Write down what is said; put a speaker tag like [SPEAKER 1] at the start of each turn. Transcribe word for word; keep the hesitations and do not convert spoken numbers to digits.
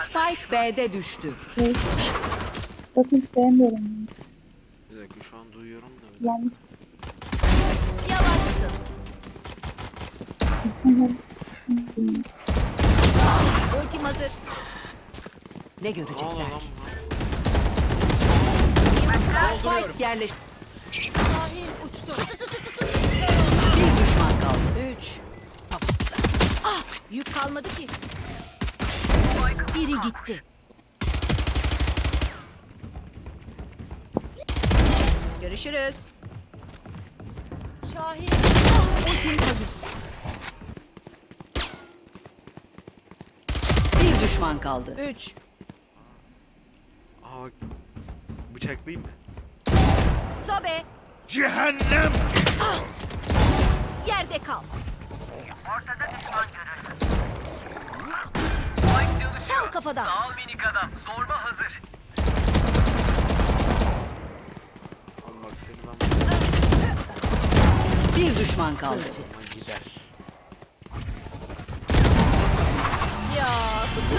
[SPEAKER 1] Spike B'de düştü.
[SPEAKER 2] Evet. Bakın sevmiyorum.
[SPEAKER 3] Bir dakika şu an duyuyorum da. Bir
[SPEAKER 2] Yani
[SPEAKER 4] Yavaşsın. Ultim hazır.
[SPEAKER 1] Ne
[SPEAKER 3] dakika. Ne oluyor
[SPEAKER 1] görecekler?
[SPEAKER 3] lan
[SPEAKER 1] Spike yerleş.
[SPEAKER 4] Şahin uçtu.
[SPEAKER 1] Bir düşman kaldı.
[SPEAKER 4] Üç. Ah, yük kalmadı ki. Biri gitti. Görüşürüz. Şahin.
[SPEAKER 1] Ultim hazır. Bir düşman kaldı.
[SPEAKER 4] Üç.
[SPEAKER 3] Aa, bıçaklayayım mı?
[SPEAKER 4] Sobe.
[SPEAKER 3] Cehennem!
[SPEAKER 4] Yerde kal.
[SPEAKER 5] Spike çalışıyor.
[SPEAKER 4] Tam kafadan.
[SPEAKER 5] Sağ ol minik adam. Zorba hazır.
[SPEAKER 3] Al bak seni ben
[SPEAKER 1] Bir düşman kaldı.
[SPEAKER 3] buna gider.
[SPEAKER 4] Ya